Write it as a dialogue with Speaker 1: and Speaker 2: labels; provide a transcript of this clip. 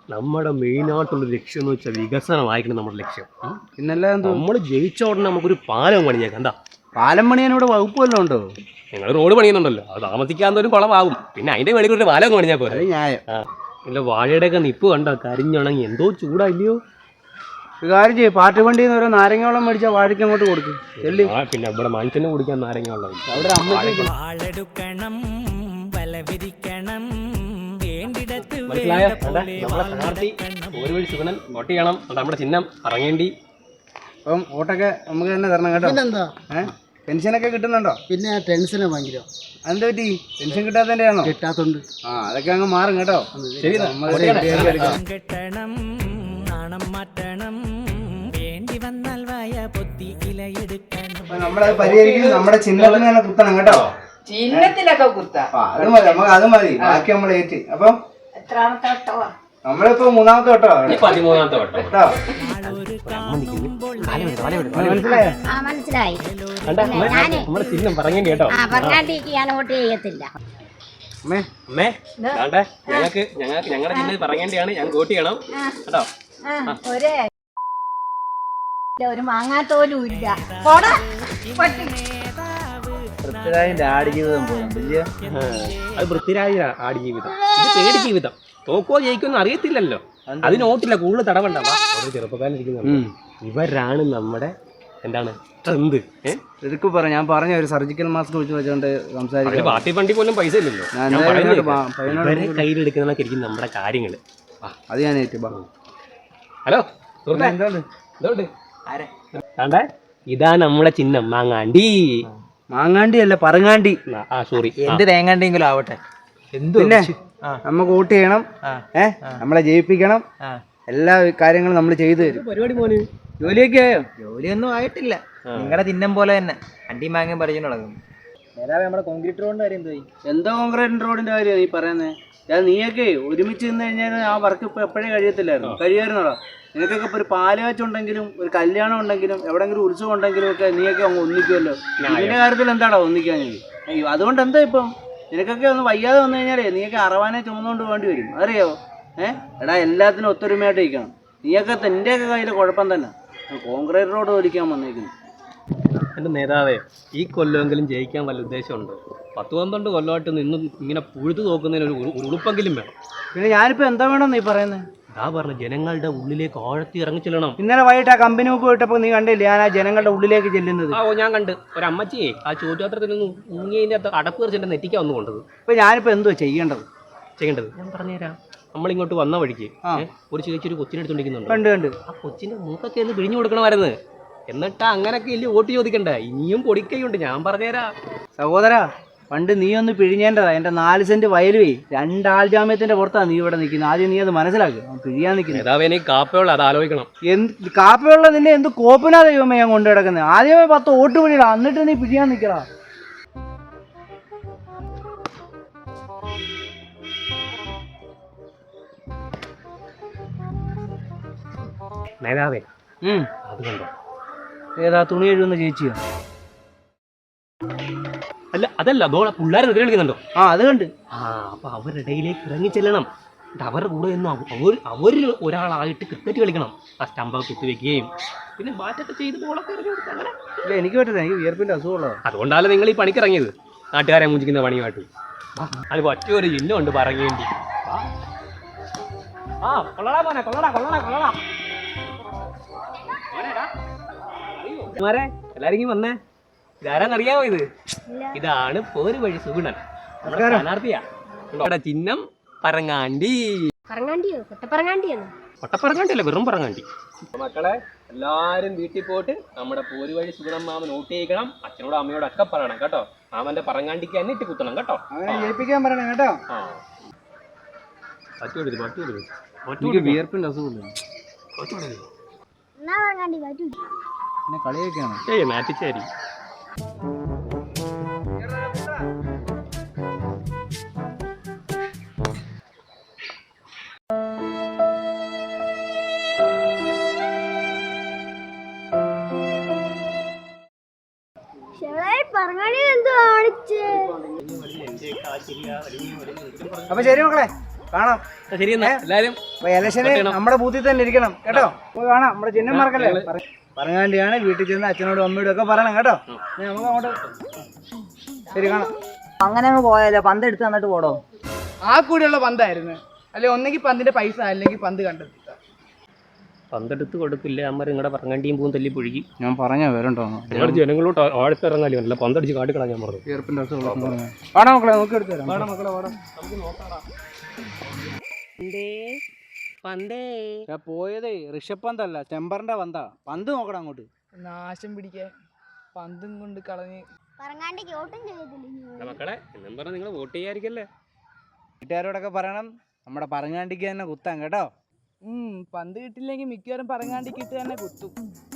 Speaker 1: നമ്മുടെ മെയിനായിട്ടുള്ള ലക്ഷ്യം എന്ന് വെച്ചാൽ വികസനമായിരിക്കണം നമ്മുടെ ലക്ഷ്യം.
Speaker 2: പിന്നല്ല
Speaker 1: നമ്മൾ ജയിച്ച ഉടനെ നമുക്കൊരു പാലം പണിഞ്ഞേക്കാം. എന്താ
Speaker 2: പാലം പണിയാൻ ഇവിടെ വകുപ്പ് വല്ലതും ഉണ്ടോ?
Speaker 1: നിങ്ങൾ റോഡ് പണിയുന്നുണ്ടല്ലോ, അത് താമസിക്കാത്തൊരു കുളമാകും. പിന്നെ അതിന്റെ മേളിൽ ഒരു പാലം പണിഞ്ഞാൽ പോലെ
Speaker 2: ന്യായം.
Speaker 1: ഇല്ല വാഴയുടെയൊക്കെ നിപ്പ് കണ്ടോ, കരിഞ്ഞുണങ്ങി എന്തോ ചൂടായില്ലയോ.
Speaker 2: ഒരു കാര്യം ചെയ്യും, പാട്ട് വണ്ടിയിൽ നിന്ന് ഓരോ നാരങ്ങോളം മേടിച്ചാൽ വാഴയ്ക്ക് അങ്ങോട്ട് കൊടുക്കും.
Speaker 1: പിന്നെ ഇവിടെ മനുഷ്യനെ കുടിക്കാൻ നാരങ്ങ വെള്ളം
Speaker 2: അവിടെ അമ്മയ്ക്ക്
Speaker 1: ഒരു വഴി സുഗണൻ വോട്ട് ചെയ്യണം. നമ്മുടെ ചിഹ്നം ഇറങ്ങേണ്ടി.
Speaker 2: അപ്പം വോട്ടൊക്കെ നമുക്ക് തന്നെ തരണം കേട്ടോ. പെൻഷനൊക്കെ കിട്ടുന്നുണ്ടോ?
Speaker 3: പിന്നെ ടെൻഷനെ ഭയങ്കര.
Speaker 2: അതെന്താ പറ്റി? പെൻഷൻ കിട്ടാത്തതിന്റെ ആണോ?
Speaker 3: കിട്ടാത്തോണ്ട്.
Speaker 2: അതൊക്കെ അങ്ങ് മാറും കേട്ടോ. ശരി, നമ്മളത് പരിഹരിക്കും. നമ്മുടെ ചിഹ്നത്തിന് തന്നെ കുത്തണം കേട്ടോ.
Speaker 4: ചിഹ്നത്തിലൊക്കെ കുത്താം.
Speaker 2: അത് മതി, നമുക്ക് അത് മതി. ബാക്കി നമ്മൾ ഏറ്റ്. അപ്പം
Speaker 4: എത്രാമത്തെ വട്ടമാ?
Speaker 2: നമ്മളിപ്പോ 3ാമത്തെ വട്ടോ.
Speaker 1: 13ാമത്തെ വട്ടം
Speaker 2: കേട്ടോ.
Speaker 5: മനസ്സിലായി.
Speaker 1: നമ്മുടെ ചിഹ്നം പറയേണ്ടി കേട്ടോ.
Speaker 5: വോട്ട് ചെയ്യത്തില്ല.
Speaker 1: അമ്മേ ഞങ്ങൾക്ക് ഞങ്ങളുടെ ചിഹ്നം പറയേണ്ടിയാണ്. ഞങ്ങൾക്ക് വോട്ട് ചെയ്യണം കേട്ടോ.
Speaker 5: ഒരു മാങ്ങാത്തോലും ഇല്ല.
Speaker 2: പൃഥ്വിരാജിന്റെ ആടുജീവിതം പോലും വലിയ
Speaker 1: അത് പൃഥ്വിരാജ് ആടുജീവിതം. ഇത് പേടി ജീവിതം. തോക്കോ ജയിക്കുമെന്ന് അറിയത്തില്ലല്ലോ. അതിന് വോട്ടില്ല, കൂടുതൽ തടവണ്ട. ചെറുപ്പക്കാരിരിക്കുന്നു. ഇവരാണ് നമ്മുടെ എന്താണ് സ്ട്രെങ്ത്.
Speaker 2: ശരിക്കും പറയാം, ഞാൻ പറഞ്ഞ ഒരു സർജിക്കൽ മാസ്ക് വെച്ച് വെച്ചോണ്ട് സംസാരിക്കും.
Speaker 1: പാർട്ടി ഫണ്ടി പോലും പൈസ ഇല്ലല്ലോ. കയ്യിലെടുക്കുന്നതൊക്കെ ഇരിക്കും നമ്മുടെ കാര്യങ്ങള്.
Speaker 2: അത് ഞാൻ ഏറ്റു.
Speaker 1: ഹലോ കണ്ടേ, ഇതാ നമ്മുടെ ചിഹ്നം മാങ്ങാണ്ടി.
Speaker 2: മാങ്ങാണ്ടി അല്ല, പറങ്ങാണ്ടി.
Speaker 1: സോറി,
Speaker 3: എന്ത് തേങ്ങാണ്ടെങ്കിലും ആവട്ടെ.
Speaker 2: പിന്നെ നമുക്ക് വോട്ട് ചെയ്യണം. നമ്മളെ ജയിപ്പിക്കണം. എല്ലാ കാര്യങ്ങളും നമ്മൾ ചെയ്തു തരും.
Speaker 1: പരിപാടി മോന്
Speaker 2: ജോലിയൊക്കെ ആയോ?
Speaker 3: ജോലിയൊന്നും ആയിട്ടില്ല. നിങ്ങളുടെ ചിഹ്നം പോലെ തന്നെ അണ്ടി മാങ്ങ പറിച്ചു നടക്കും. നേരാവേ നമ്മുടെ കോൺക്രീറ്റ് റോഡിന്റെ കാര്യം എന്തോ?
Speaker 2: എന്താ കോൺക്രീറ്റ് റോഡിന്റെ കാര്യം നീ പറയുന്നത്? നീയൊക്കെ ഒരുമിച്ച് നിന്ന് കഴിഞ്ഞാൽ ആ വർക്ക് ഇപ്പൊ എപ്പോഴേ കഴിയായിരുന്നോടാ. നിനക്കൊക്കെ ഇപ്പൊ ഒരു പാലുകാച്ചുണ്ടെങ്കിലും ഒരു കല്യാണം ഉണ്ടെങ്കിലും എവിടെങ്കിലും ഉത്സവം ഉണ്ടെങ്കിലും ഒക്കെ നീയൊക്കെ അങ്ങ് ഒന്നിക്കുമല്ലോ. ഇതിന്റെ കാര്യത്തിൽ എന്താടാ ഒന്നിക്കാൻ? അതുകൊണ്ട് എന്താ ഇപ്പം നിനക്കൊക്കെ ഒന്ന് വയ്യാതെ വന്നു കഴിഞ്ഞാലേ നീയൊക്കെ അറവാനെ ചുമന്നുകൊണ്ട് വേണ്ടി വരും. അറിയാവോ? എടാ എല്ലാത്തിനും ഒത്തൊരുമയായിട്ട് ഇരിക്കണം. നീയൊക്കെ നിന്റെയൊക്കെ കയ്യിൽ കുഴപ്പം തന്നെ. കോൺക്രീറ്റ് റോഡ് ഒലിക്കാൻ വന്നേക്കുന്നു.
Speaker 1: എൻ്റെ നേതാവേ, ഈ കൊല്ലമെങ്കിലും ജയിക്കാൻ വല്ല ഉദ്ദേശമുണ്ടോ? 10-12 കൊല്ലമായിട്ട് നിന്നും ഇങ്ങനെ പുഴുതു നോക്കുന്നതിന് ഒരു ഉളുപ്പെങ്കിലും വേണം.
Speaker 2: പിന്നെ ഞാനിപ്പോ എന്താ വേണം നീ പറയുന്നത്?
Speaker 1: അതാ പറഞ്ഞു, ജനങ്ങളുടെ ഉള്ളിലേക്ക് ആഴത്തി ഇറങ്ങി ചെല്ലണം.
Speaker 2: ഇന്നലെ വൈകിട്ട് ആ കമ്പനി മുക്ക് പോയിട്ടപ്പോ നീ കണ്ടില്ലേ ഞാൻ ആ ജനങ്ങളുടെ ഉള്ളിലേക്ക് ചെല്ലുന്നത്?
Speaker 1: ഞാൻ കണ്ട്. ഒരമ്മച്ചിയെ ആ ചോദ്യോത്തരത്തിൽ നിന്ന് മുങ്ങിയതിൻ്റെ അടപ്പ് കറിച്ച് നെറ്റിക്കാൻ വന്നു കൊണ്ടത്.
Speaker 2: ഇപ്പൊ ഞാനിപ്പോ എന്തോ ചെയ്യേണ്ടത്?
Speaker 1: ഞാൻ പറഞ്ഞുതരാം. നമ്മളിങ്ങോട്ട് വന്ന വഴിക്ക് ഒരു ചേച്ചി ഒരു കൊച്ചിനെ എടുത്തോണ്ടിരിക്കുന്നുണ്ട്.
Speaker 2: കണ്ട്
Speaker 1: ആ കൊച്ചിന്റെ മൂക്കൊക്കെ ഒന്ന് പിഴിഞ്ഞു കൊടുക്കണമായിരുന്നു. എന്നിട്ട് അങ്ങനൊക്കെ ഇല്ല വോട്ട് ചോദിക്കണ്ടേ. ഇനിയും പൊടിക്കൈയുണ്ട്, ഞാൻ പറഞ്ഞുതരാം.
Speaker 2: സഹോദരാ, പണ്ട് നീ ഒന്ന് പിഴിഞ്ഞേണ്ടതാ. എന്റെ 4 സെന്റ് വയലുവേ 2 ആൾ ജാമ്യത്തിന്റെ പുറത്താണ് നീ ഇവിടെ നിൽക്കുന്നത്. ആദ്യം നീ അത് മനസ്സിലാക്കുക. പിഴിയാൻ നിൽക്കുന്നത്
Speaker 1: കാപ്പയുള്ള അത് ആലോചിക്കണം.
Speaker 2: കാപ്പയുള്ള നിന്നെ എന്ത് കോപ്പിനാ ദൈവമേ ഞാൻ കൊണ്ടു കിടക്കുന്നത്? ആദ്യമേ 10 വോട്ട് പിടിയിടാ, എന്നിട്ട് നീ പിഴിയാൻ നിൽക്കടാ.
Speaker 1: നേതാവേ, അത് കണ്ടോ?
Speaker 2: ഏതാ തുണി എഴുതുന്ന ചേച്ചിയോ?
Speaker 1: അല്ല, അതല്ല, അതോടെ പിള്ളേരെ നിദ്ര കളിക്കുന്നുണ്ടോ?
Speaker 2: അത് കണ്ട്.
Speaker 1: അപ്പൊ അവരുടെ ഇടയിലേക്ക് ഇറങ്ങി ചെല്ലണം. അവരുടെ കൂടെ ഒന്നും അവരിൽ ഒരാളായിട്ട് ക്രിക്കറ്റ് കളിക്കണം. ആ സ്റ്റമ്പൊക്കെ കുത്തിവെക്കുകയും പിന്നെ ബാറ്റൊക്കെ ചെയ്ത് ബോളൊക്കെ ഇറങ്ങി കൊടുക്കുക. അങ്ങനെ
Speaker 2: ഇല്ല, എനിക്ക് പറ്റില്ല. എനിക്ക് വിയർപ്പിന്റെ അസുഖമുള്ളത്.
Speaker 1: അതുകൊണ്ടാണ് നിങ്ങൾ ഈ പണിക്ക് ഇറങ്ങിയത്, നാട്ടുകാരെ മൂഞ്ചിക്കുന്ന പണിയുമായിട്ട്. അത് പറ്റിയൊരു ചിഹ്നമുണ്ട് പറയേണ്ടി. കൊള്ളടാ മോനെ, കൊള്ളടാ കൊള്ളടാ കൊള്ളടാ. എല്ലാരും വന്നേ. ഇതാരാന്നറിയാമോ? ഇതാണ് പോര് വഴി സുഗുണൻ, നമ്മുടെ സ്ഥാനാർത്ഥിയാ. ചിഹ്നം പറങ്ങാണ്ടി. കൊട്ടപ്പറങ്ങാണ്ടിയല്ല, വെറും പറങ്ങാണ്ടി. മക്കളെ എല്ലാരും വീട്ടിൽ പോയിട്ട് നമ്മുടെ പോര് വഴി സുഗുണൻ മാമൻ വോട്ട് ചെയ്യിക്കണം. അച്ഛനോടും അമ്മയോടും ഒക്കെ പറയണം കേട്ടോ. മാമന്റെ പറങ്ങാണ്ടിക്ക് തന്നെ ഇട്ട് കുത്തണം കേട്ടോ.
Speaker 2: ജയിപ്പിക്കാൻ പറയണം കേട്ടോ. വിയർപ്പിന്റെ അസുഖമില്ല. കളിയൊക്കെയാണ്
Speaker 1: മാറ്റിച്ചേരി.
Speaker 2: അപ്പൊ ശരി മക്കളെ, കാണാം.
Speaker 1: ശരി എന്നാ എല്ലാരും.
Speaker 2: അപ്പൊ ഇലക്ഷന് നമ്മുടെ ബൂത്തിൽ തന്നെ ഇരിക്കണം കേട്ടോ. പോയി കാണാം, നമ്മുടെ ചിഹ്നം മറക്കല്ലേ. പറഞ്ഞാണ്ടിയാണ് വീട്ടിൽ ചെന്ന് അച്ഛനോടും അമ്മയോടും ഒക്കെ പറയണം കേട്ടോ. നമുക്ക് അങ്ങോട്ട് ശരി കാണാം.
Speaker 3: അങ്ങനെ അങ്ങ് പോയാലോ, പന്ത് എടുത്ത് തന്നിട്ട് പോടോ.
Speaker 6: ആ കൂടെയുള്ള പന്തായിരുന്നു. അല്ലെ ഒന്നെങ്കിൽ പന്തിന്റെ പൈസ അല്ലെങ്കിൽ പന്ത് കണ്ടെത്തി.
Speaker 1: പന്തെടുത്ത് കൊടുക്കില്ല അമ്മ നിങ്ങളുടെ പറങ്ങാണ്ടിയും പൂവും തല്ലി പുഴുകി.
Speaker 2: ഞാൻ പറഞ്ഞ വരണ്ടോ
Speaker 1: നിങ്ങൾ ജനങ്ങളോട്ട് ആഴത്തിറങ്ങാലോ, അല്ല പന്തടിച്ച് കാട്ടിക്കളാൻ ഞാൻ പറഞ്ഞു.
Speaker 2: ചെറുപ്പിന്റെ വാടാ മക്കളെ, നോക്കി എടുത്തു തരാം. വാടാ മക്കളെ, വാടാ. പോയതേ ഋഷഭ് പന്തല്ല, ചെമ്പറിന്റെ പന്താ. പന്ത് നോക്കണം അങ്ങോട്ട്.
Speaker 6: നാശം പിടിക്കാൻ പന്തും കൊണ്ട് കളഞ്ഞ്
Speaker 5: പറങ്ങാണ്ടിക്ക് വോട്ടും ചെയ്തില്ല.
Speaker 1: മക്കളെ എന്നും പറഞ്ഞാൽ നിങ്ങൾ വോട്ട് ചെയ്യാതിരിക്കല്ലേ.
Speaker 2: വീട്ടുകാരോടൊക്കെ പറയണം നമ്മുടെ പറങ്ങാണ്ടിക്ക് തന്നെ കുത്താൻ കേട്ടോ.
Speaker 6: പന്ത് കിട്ടില്ലെങ്കിൽ മിക്കവാറും പറങ്ങാണ്ടിക്കിട്ട് തന്നെ കുത്തും.